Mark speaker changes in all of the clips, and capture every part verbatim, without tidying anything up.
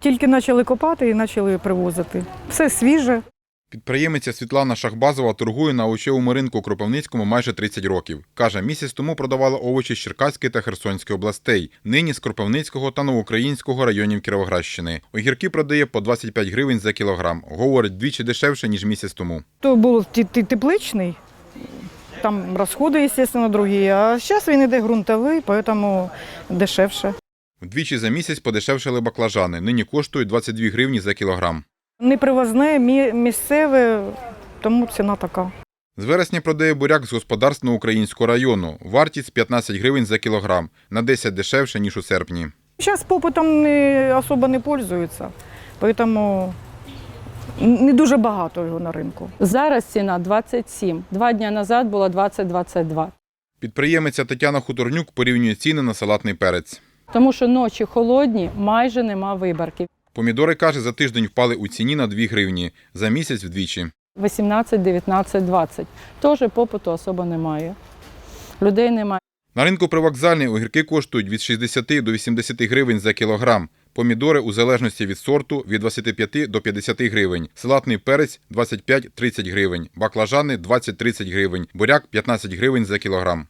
Speaker 1: Тільки почали копати і почали привозити. Все свіже.
Speaker 2: Підприємиця Світлана Шахбазова торгує на овочевому ринку у Кропивницькому майже тридцять років. Каже, місяць тому продавала овочі з Черкаської та Херсонської областей, нині з Кропивницького та Новоукраїнського районів Кіровоградщини. Огірки продає по двадцять п'ять гривень за кілограм. Говорить, двічі дешевше, ніж місяць тому.
Speaker 1: То був тепличний, там розходи, звісно, другі, а зараз він йде ґрунтовий, тому дешевше.
Speaker 2: Вдвічі за місяць подешевшали баклажани. Нині коштують двадцять дві гривні за кілограм.
Speaker 1: Не привозне, місцеве, тому ціна така.
Speaker 2: З вересня продає буряк з господарств Новоукраїнського району. Вартість п'ятнадцять гривень за кілограм. На десять дешевше, ніж у серпні.
Speaker 1: Зараз попитом не, особо не пользуються, тому не дуже багато його на ринку.
Speaker 3: Зараз ціна двадцять сім. Два дні назад було двадцять - двадцять два.
Speaker 2: Підприємиця Тетяна Хуторнюк порівнює ціни на салатний перець.
Speaker 3: Тому що ночі холодні, майже нема виборки.
Speaker 2: Помідори, каже, за тиждень впали у ціні на дві гривні, за місяць вдвічі.
Speaker 3: вісімнадцять, дев'ятнадцять, двадцять. Теж попиту особо немає. Людей немає.
Speaker 2: На ринку привокзальний огірки коштують від шістдесяти до вісімдесяти гривень за кілограм. Помідори у залежності від сорту від двадцяти п'яти до п'ятдесяти гривень. Салатний перець – двадцять п'ять - тридцять гривень. Баклажани – двадцять - тридцять гривень. Буряк – п'ятнадцять гривень за кілограм.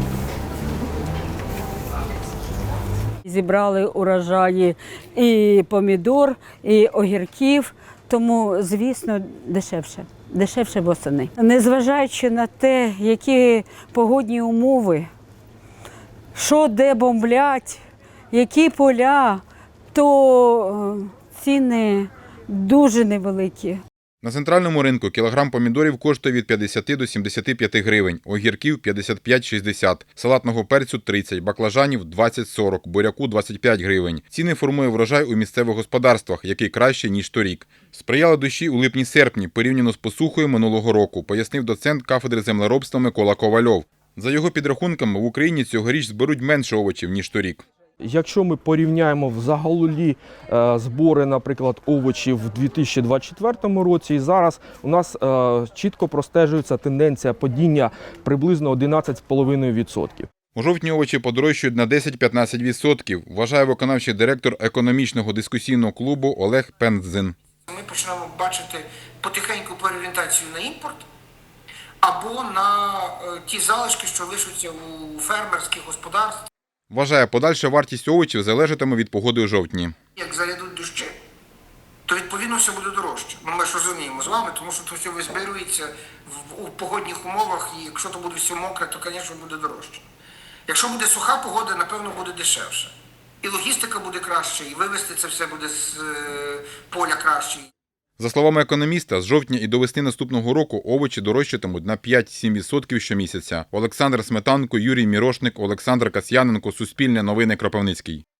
Speaker 4: Зібрали урожаї і помідор, і огірків, тому, звісно, дешевше. Дешевше восени. Незважаючи на те, які погодні умови, що де бомблять, які поля, то ціни дуже невеликі.
Speaker 2: На центральному ринку кілограм помідорів коштує від п'ятдесяти до сімдесяти п'яти гривень, огірків – п'ятдесят п'ять - шістдесят, салатного перцю – тридцять, баклажанів – двадцять - сорок, буряку – двадцять п'ять гривень. Ціни формує врожай у місцевих господарствах, який краще, ніж торік. Сприяли дощі у липні-серпні, порівняно з посухою минулого року, пояснив доцент кафедри землеробства Микола Ковальов. За його підрахунками, в Україні цьогоріч зберуть менше овочів, ніж торік.
Speaker 5: Якщо ми порівняємо взагалі е, збори, наприклад, овочів в дві тисячі двадцять четвертому році, і зараз у нас е, чітко простежується тенденція падіння приблизно одинадцять цілих п'ять десятих відсотка.
Speaker 2: У жовтні овочі подорожчають на десять - п'ятнадцять відсотків, вважає виконавчий директор економічного дискусійного клубу Олег Пензин.
Speaker 6: Ми почнемо бачити потихеньку переорієнтацію на імпорт або на ті залишки, що лишаться у фермерських господарств.
Speaker 2: Вважає, подальша вартість овочів залежатиме від погоди у жовтні.
Speaker 6: Як зарядуть дощі, то відповідно все буде дорожче. Ну, ми ж розуміємо з вами, тому що це все визбирується в, у погодних умовах, і якщо то буде все мокре, то, звісно, буде дорожче. Якщо буде суха погода, напевно, буде дешевше. І логістика буде краще, і вивезти це все буде з е, поля краще.
Speaker 2: За словами економіста, з жовтня і до весни наступного року овочі дорожчатимуть на п'ять - сім відсотків щомісяця. Олександр Сметанко, Юрій Мірошник, Олександр Касьяненко, Суспільне новини, Кропивницький.